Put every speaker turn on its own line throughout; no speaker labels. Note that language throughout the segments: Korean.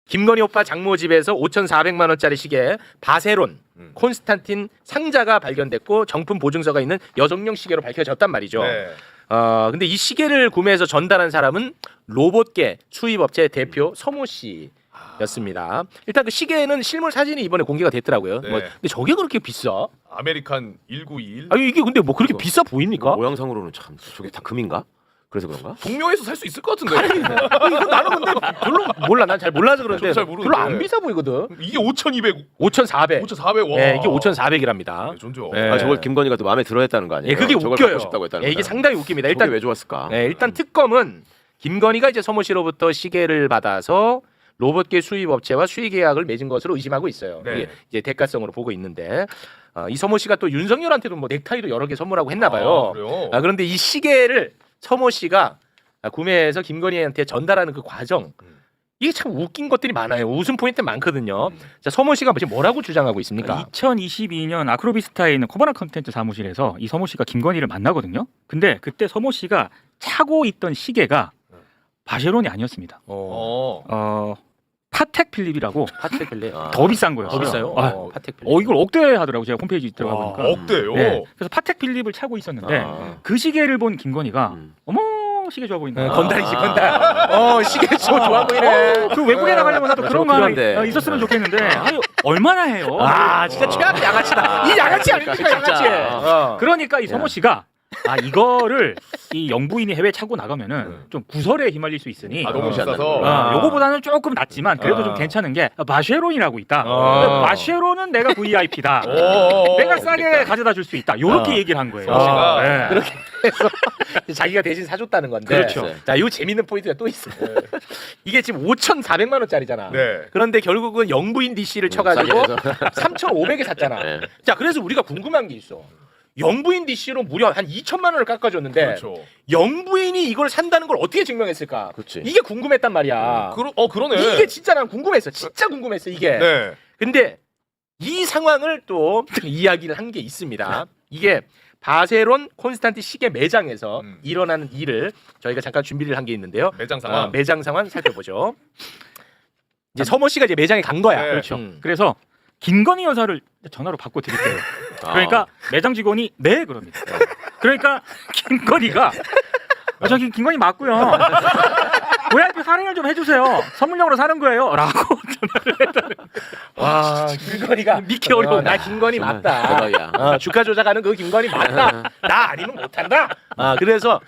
김건희 오빠 장모 집에서 5,400만 원짜리 시계 바세론 콘스탄틴 상자가 발견됐고 정품 보증서가 있는 여성용 시계로 밝혀졌단 말이죠.
네.
근데 이 시계를 구매해서 전달한 사람은 로봇계 수입업체 대표 서모 씨였습니다. 일단 그 시계는 실물 사진이 이번에 공개가 됐더라고요.
네.
근데 저게 그렇게 비싸?
아메리칸 1921.
아니 이게 근데 뭐 그렇게 비싸 보입니까?
모양상으로는 참 저게 다 금인가? 그래서 그런가?
동묘에서 살 수 있을 것 같은데.
이거 나는 근데 별로 몰라. 난 잘 몰라서 그런데
저도 잘 모르는데.
별로 안 비싸 보이거든.
이게 5,200,
5,400.
5,400. 와.
네, 이게 5,400이랍니다.
네, 존죠.
네.
아 저걸 김건희가 또 마음에 들어했다는 거 아니에요?
예, 그게
저걸
웃겨요.
갖고 싶다고 했다는
예, 이게
거야.
상당히 웃깁니다.
일단
일단
왜 좋았을까?
일단 특검은 김건희가 이제 서모 씨로부터 시계를 받아서 로봇계 수입 업체와 수의 계약을 맺은 것으로 의심하고 있어요.
네.
이게 이제 대가성으로 보고 있는데 이 서모 씨가 또 윤석열한테도 뭐 넥타이도 여러 개 선물하고 했나 봐요.
그래요?
그런데 이 시계를 서모 씨가 구매해서 김건희한테 전달하는 그 과정 이게 참 웃긴 것들이 많아요. 웃음 포인트 많거든요. 자, 서모 씨가 지금 뭐라고 주장하고 있습니까?
2022년 아크로비스타에 있는 코바나 컨텐츠 사무실에서 이 서모 씨가 김건희를 만나거든요. 근데 그때 서모 씨가 차고 있던 시계가 바쉐론이 아니었습니다. 파텍 필립이라고
파텍 필립.
더 비싼 거예요.
더 비싸요? 파텍 필립.
이걸 억대 하더라고 제가 홈페이지 들어가
와,
보니까.
억대요.
네. 그래서 파텍 필립을 차고 있었는데 그 시계를 본 김건희가 어머 시계 좋아 보인다.
건달이지 건달. 시계 좋아 보이네.
그 외국에 나가려면 나도 그런 거 하나
필요한데.
있었으면 좋겠는데 아유, 얼마나 해요?
진짜 최악의 양아치다. 이 양아치 아닙니까 양아치.
그러니까 이 서모 씨가 이거를 이 영부인이 해외 차고 나가면은 좀 구설에 휘말릴 수 있으니
너무 비싸서.
요거보다는 조금 낫지만 그래도 좀 괜찮은 게 바쉐론이라고 있다. 바쉐론은 내가 VIP다. 내가 싸게 가져다 줄 수 있다. 요렇게 얘기를 한 거예요.
네.
그렇게 해서 자기가 대신 사줬다는 건데.
그렇죠.
자, 요 재밌는 포인트가 또 있어요. 이게 지금 5,400만 원짜리잖아.
네.
그런데 결국은 영부인 DC를 쳐가지고
싸게
3,500에 샀잖아.
네.
자, 그래서 우리가 궁금한 게 있어. 영부인 DC로 무려 한 2천만 원을 깎아줬는데
그렇죠.
영부인이 이걸 산다는 걸 어떻게 증명했을까?
그렇지.
이게 궁금했단 말이야.
그러네.
이게 진짜 난 궁금했어. 진짜 궁금했어 이게.
네.
근데 이 상황을 또 이야기를 한 게 있습니다. 이게 바세론 콘스탄티 시계 매장에서 일어나는 일을 저희가 잠깐 준비를 한 게 있는데요.
매장 상황.
매장 상황 살펴보죠. 이제 서모 씨가 이제 매장에 간 거야.
네.
그렇죠. 그래서 김건희 여사를 전화로 바꿔 드릴게요. 그러니까 매장 직원이 네 그럽니다. 그러니까 김건희가 저기 김건희 맞고요. VIP 할인을 좀 해주세요. 선물용으로 사는 거예요.라고 전화를 했다는.
와, 김건희가
믿기 어려워.
나 김건희 맞다.
대박이야.
주가 조작하는 그 김건희 맞다. 나 아니면 못한다. 그래서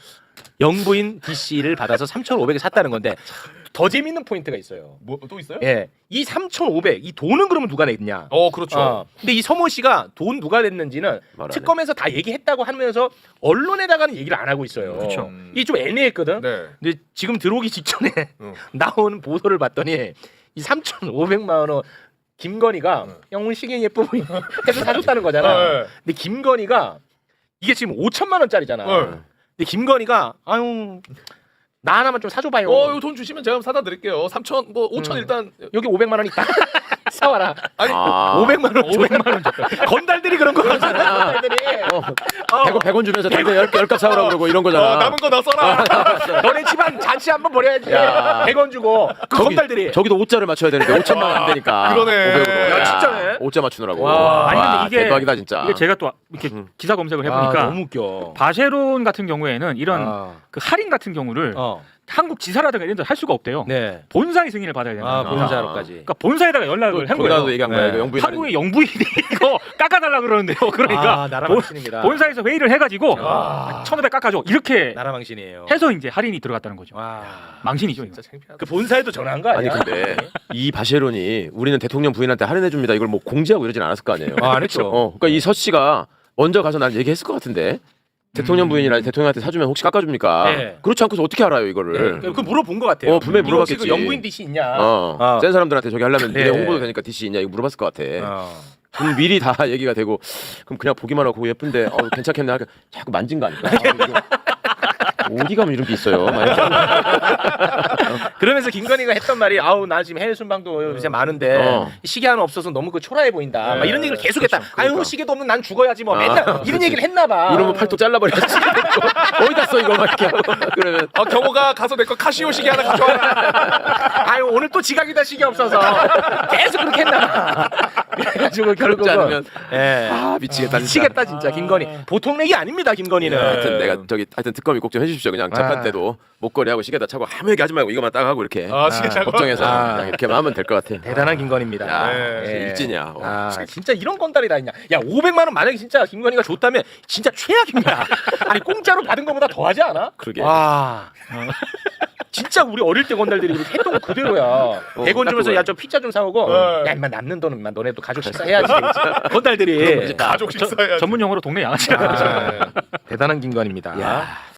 영부인 DC를 받아서 3,500에 샀다는 건데 더 재밌는 포인트가 있어요.
뭐 또 있어요?
예, 이 3,500, 이 돈은 그러면 누가 냈냐?
그렇죠.
근데 이 서모 씨가 돈 누가 냈는지는
말 안 해.
특검에서 다 얘기했다고 하면서 언론에다가는 얘기를 안 하고 있어요.
그렇죠.
이게 좀 애매했거든.
네.
근데 지금 들어오기 직전에
응.
나오는 보도를 봤더니 이 3,500만 원 김건희가 영훈 시계 예뻐 보이 해서 사줬다는 거잖아.
네.
근데 김건희가 이게 지금 5천만 원짜리잖아.
네.
근데 김건희가 아유 나 하나만 좀 사줘봐요.
이거 돈 주시면 제가 사다 드릴게요. 3천, 5천 일단.
여기 500만 원 있다. 사와라.
아니,
500만 원, 500만 원. 건달들이 그런 거잖아. 건달들이.
100원 주면서 담배 10값 사오라고 그러고 이런 거잖아.
남은 거 나 써라.
너네 집안 잔치 한번 벌여야지.
야.
100원 주고. 그 건달들이.
저기도 5자를 맞춰야 되는데 5천만 원 안 되니까.
그러네.
500으로.
야, 진짜네.
5자 맞추느라고.
와.
아니 근데 이게
대박이다 진짜.
이게 제가 또 이렇게 기사 검색을 해보니까
너무 웃겨.
바쉐론 같은 경우에는 이런 그 할인 같은 경우를 한국 지사라든가 이런 데 할 수가 없대요.
네.
본사의 승인을 받아야 된다.
본사로까지.
그러니까 본사에다가 연락을 한 거예요.
거기다도 얘기한 거야.
네.
이거 영부인
한국의 영부인이 이거 깎아달라 그러는데요. 그러니까
나라 망신입니다.
본사에서 회의를 해가지고 1,500 깎아줘 이렇게
나라 망신이에요.
해서 이제 할인이 들어갔다는 거죠.
와.
망신이죠. 이거.
진짜 창피하다.
그 본사에도 전화한 거
아니
아니야?
근데 이 바쉐론이 우리는 대통령 부인한테 할인해 줍니다. 이걸 뭐 공지하고 이러진 않았을 거 아니에요.
안 했죠.
그러니까 이 서 씨가 먼저 가서 난 얘기했을 것 같은데. 대통령 부인이라 대통령한테 사주면 혹시 깎아줍니까?
네.
그렇지 않고서 어떻게 알아요 이거를?
그 물어본 것 같아요.
분명히
이거
물어봤겠지.
혹시 그 영부인 DC 있냐?
센 사람들한테 저기 하려면
네.
내 홍보도 되니까 DC 있냐 이거 물어봤을 것 같아. 그럼 미리 다 얘기가 되고 그럼 그냥 보기만 하고 예쁜데 괜찮겠네 하니까 자꾸 만진 거 아닐까? 어디 가면 이런 게 있어요. 막 이렇게.
그러면서 김건희가 했던 말이 아우 나 지금 해외 순방도 요새 많은데 시계 하나 없어서 너무 그 초라해 보인다. 막 이런 얘기를 계속했다. 아유 시계도 없는 난 죽어야지 뭐 맨날 이런 얘기를 했나 봐.
이러면 팔뚝 잘라버려야지. 어디다 써 이거 막 이렇게 하고. 그러면
경호가 가서 내 거 카시오 시계 하나 가져와라.
아유 오늘 또 지각이다 시계 없어서 계속 그렇게 했나 봐. 그래가지고
그렇지
결국은
않으면
예.
아 미치겠다. 진짜.
미치겠다 진짜 김건희. 보통 얘기 아닙니다 김건희는.
하여튼 내가 하여튼 특검이 꼭 좀 해주십시오. 그냥 재판 때도 목걸이하고 시계다 차고 아무 얘기 하지 말고 이거만 딱 하고 이렇게
시계 차고.
걱정해서
아.
그냥 이렇게만 하면 될 것 같아.
대단한 김건희입니다.
야,
예.
일진이야.
아 진짜 이런 건달이 다 있냐? 야 500만 원 만약에 진짜 김건희가 줬다면 진짜 최악입니다. 아니 공짜로 받은 것보다 더하지 않아?
그러게.
와. 진짜 우리 어릴 때 건달들이 이렇게 했던 거 그대로야. 100원
딱
주면서
그거야.
야 좀 피자 좀 사오고
네.
야 임마 남는 돈은 임마 너네도 가족 식사 해야지. 건달들이
가족 식사해야지.
전문 용어로 동네 양아치라고 하죠.
아, 대단한 김건희입니다.
야.